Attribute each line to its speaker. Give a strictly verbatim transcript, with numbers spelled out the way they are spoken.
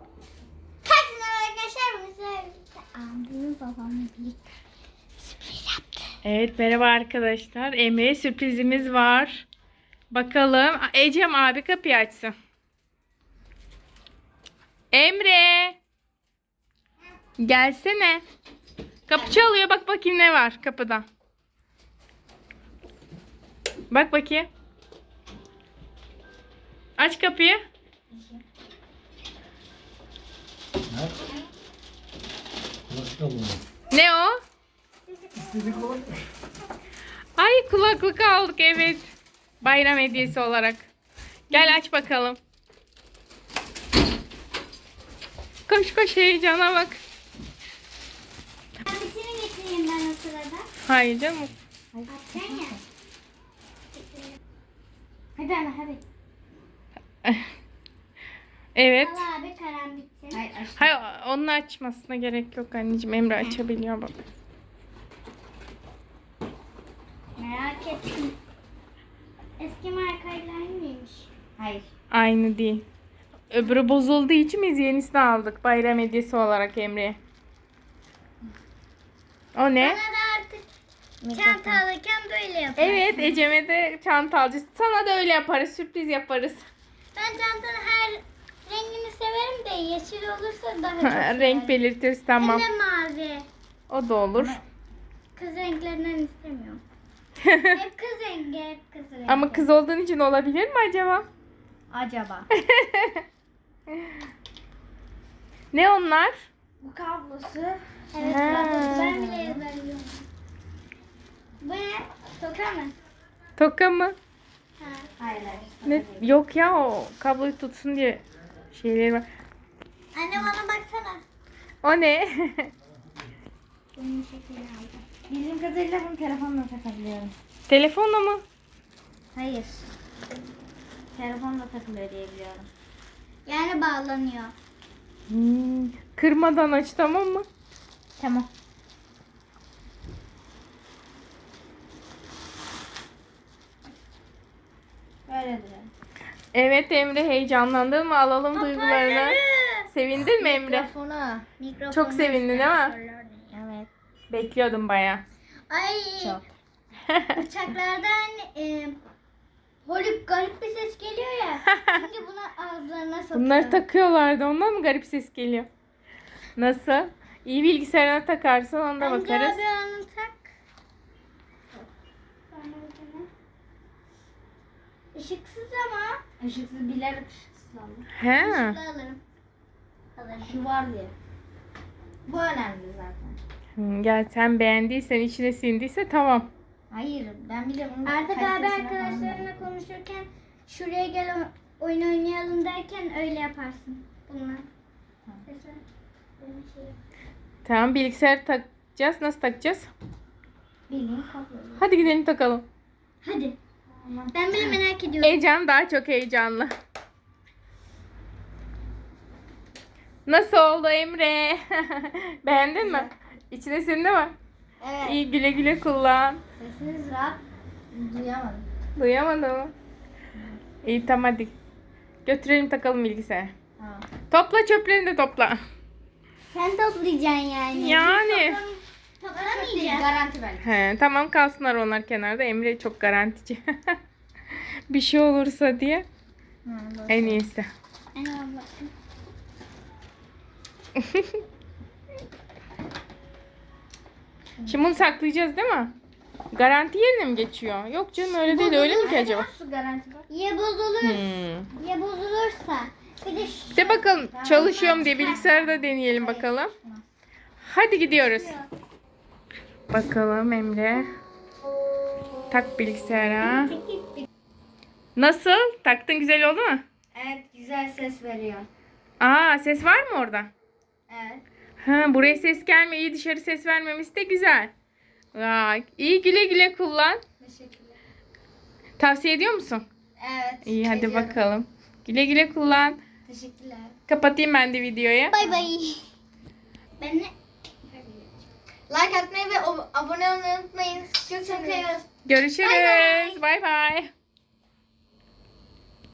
Speaker 1: Herkese arkadaşlar. Mesela abim babamla birlikte sürpriz yaptı.
Speaker 2: Evet, merhaba arkadaşlar. Emre'ye sürprizimiz var. Bakalım. Ecem abi kapıyı açsın. Emre. Gelsene. Kapı çalıyor. Bak bakayım ne var kapıda. Bak bakayım. Aç kapıyı. Ne o? Ay, kulaklık aldık, evet. Bayram hediyesi olarak. Gel aç bakalım. Koş koş, heyecana bak.
Speaker 1: Abisini getireyim ben o sırada.
Speaker 2: Hayır canım.
Speaker 1: Açacaksın ya. Hadi ana hadi.
Speaker 2: Evet.
Speaker 1: Al abi karan bitsin. Hayır,
Speaker 2: Hayır, onun açmasına gerek yok anneciğim. Emre açabiliyor bak.
Speaker 1: Merak ettim. Eski markayla aynı mıymış? Hayır.
Speaker 2: Aynı değil. Öbürü bozulduğu için biz yenisini aldık. Bayram hediyesi olarak Emre'ye. O ne?
Speaker 1: Bana da artık çanta alırken böyle yaparım.
Speaker 2: Evet, Ecem'e de çanta alacağız. Sana da öyle yaparız. Sürpriz yaparız.
Speaker 1: Ben çantanın her rengini severim de yeşil olursa daha çok severim.
Speaker 2: Renk belirtiriz, tamam.
Speaker 1: Hem de mavi.
Speaker 2: O da olur.
Speaker 1: Kız renklerinden istemiyorum. Hep kız rengi, hep kız rengi.
Speaker 2: Ama kız olduğun için olabilir mi acaba?
Speaker 1: Acaba.
Speaker 2: Ne onlar?
Speaker 1: Bu kablosu. Evet,
Speaker 2: Ha.
Speaker 1: kablosu. Ben bile ezberliyorum. Bu ne? Toka mı?
Speaker 2: Toka mı?
Speaker 1: Ha. Hayır, hayır.
Speaker 2: Ne? Yok ya, o kabloyu tutsun diye şeyleri var.
Speaker 1: Anne bana baksana.
Speaker 2: O ne?
Speaker 1: Bunun şeklini aldım. Bildiğim kadarıyla bunu telefonla takabiliyorum.
Speaker 2: Telefonla mı?
Speaker 1: Hayır. Telefonla takılıyor diye biliyorum. Yani bağlanıyor.
Speaker 2: Hmm. Kırmadan aç, tamam mı?
Speaker 1: Tamam. Böyle duruyor.
Speaker 2: Evet Emre, heyecanlandın mı? Alalım duygularını. Sevindin mi Emre?
Speaker 1: Mikrofonu. Mikrofonu.
Speaker 2: Çok sevindin değil mi?
Speaker 1: Evet.
Speaker 2: Bekliyordum baya.
Speaker 1: Ay. Çok. Uçaklardan e, holüp garip bir ses geliyor ya. Şimdi bunu ağızlarına sokuyor.
Speaker 2: Bunları takıyorlardı, ondan mı garip ses geliyor? Nasıl? İyi bilgisayarına takarsın, onda
Speaker 1: Bence
Speaker 2: bakarız.
Speaker 1: abi onu tak. Işıksız ama. Işıksız bilerek ışıksız aldım.
Speaker 2: He.
Speaker 1: Işıklı alırım. Alırım. Şu var diye. Bu önemli zaten.
Speaker 2: Hmm, gel, sen beğendiysen, içine sindiyse tamam.
Speaker 1: Hayır, ben bile bunu Artık abi arkadaşlarına konuşurken şuraya gel o- oyun oynayalım derken öyle yaparsın. Bunlar. Mesela benim şey.
Speaker 2: Tamam, bilgisayar takacağız. Nasıl takacağız?
Speaker 1: Bildiğin kablo.
Speaker 2: Hadi gidelim takalım.
Speaker 1: Hadi. Ben bile merak ediyorum.
Speaker 2: Ecem daha çok heyecanlı. Nasıl oldu Emre? Beğendin mi? İçine sindi mi?
Speaker 1: Evet.
Speaker 2: İyi, güle güle kullan.
Speaker 1: Sesiniz rahat. Duyamadım.
Speaker 2: Duyamadın mı? İyi, tamam hadi. Götürelim takalım bilgisayarı.
Speaker 1: Tamam.
Speaker 2: Topla çöplerini de topla.
Speaker 1: Sen toplayacaksın yani.
Speaker 2: Yani.
Speaker 1: Toplamayacağım. Garanti ver.
Speaker 2: He, tamam, kalsınlar onlar kenarda. Emre çok garantici. Bir şey olursa diye. En iyisi. Şimdi bunu saklayacağız değil mi? Garanti yerine mi geçiyor? Yok canım, öyle değil. Öyle mi ki acaba?
Speaker 1: Nasıl garanti var? Ya bozulur,
Speaker 2: Hmm.
Speaker 1: ya bozulursa. Bir de şu-
Speaker 2: De bakalım, çalışıyorum diye bilgisayarda deneyelim bakalım. Hadi gidiyoruz. Bakalım Emre. Tak bilgisayara. Nasıl? Taktın, güzel oldu mu?
Speaker 1: Evet, güzel ses veriyor.
Speaker 2: Aa, ses var mı orada?
Speaker 1: Evet.
Speaker 2: Ha, buraya ses gelmiyor. İyi, dışarı ses vermemesi de güzel. Vay, iyi, güle güle kullan.
Speaker 1: Teşekkürler.
Speaker 2: Tavsiye ediyor musun?
Speaker 1: Evet.
Speaker 2: İyi, hadi
Speaker 1: ediyorum.
Speaker 2: bakalım. Güle güle kullan.
Speaker 1: Teşekkürler.
Speaker 2: Kapatayım ben de videoyu.
Speaker 1: Bay bay. Ben ne? Like atmayı ve abone olmayı unutmayın. Çok seviyoruz.
Speaker 2: Görüşürüz. Bay bay.